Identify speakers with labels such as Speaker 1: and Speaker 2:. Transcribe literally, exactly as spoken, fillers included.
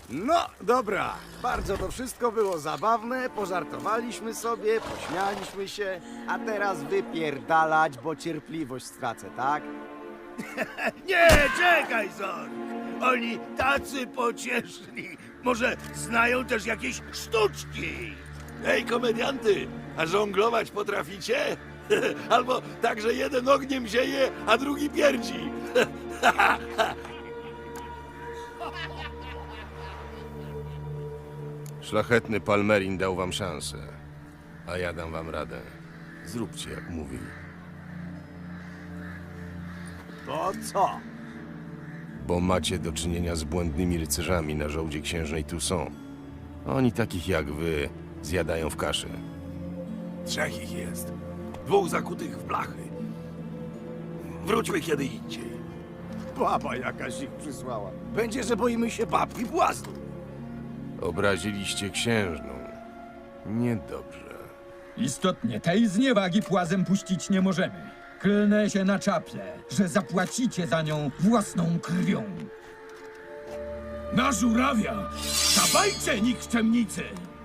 Speaker 1: No, dobra. Bardzo to wszystko było zabawne, pożartowaliśmy sobie, pośmialiśmy się, a teraz wypierdalać, bo cierpliwość stracę, tak?
Speaker 2: Nie, czekaj, Zork! Oni tacy pocieszni. Może znają też jakieś sztuczki?
Speaker 3: Ej, komedianty, a żonglować potraficie? Albo tak, że jeden ogniem zieje, a drugi pierdzi.
Speaker 4: Szlachetny Palmerin dał wam szansę, a ja dam wam radę. Zróbcie, jak mówi.
Speaker 1: To co?
Speaker 4: Bo macie do czynienia z błędnymi rycerzami na żołdzie księżnej Toussaint. Oni takich jak wy zjadają w kaszę.
Speaker 3: Trzech ich jest. Dwóch zakutych w blachy. Wróćmy kiedy indziej.
Speaker 1: Baba jakaś ich przysłała. Będzie, że boimy się babki błazdu.
Speaker 4: Obraziliście księżną. Niedobrze.
Speaker 5: Istotnie, tej zniewagi płazem puścić nie możemy. Klnę się na czaple, że zapłacicie za nią własną krwią.
Speaker 2: Na żurawia! Dawajcie, nikczemnicy!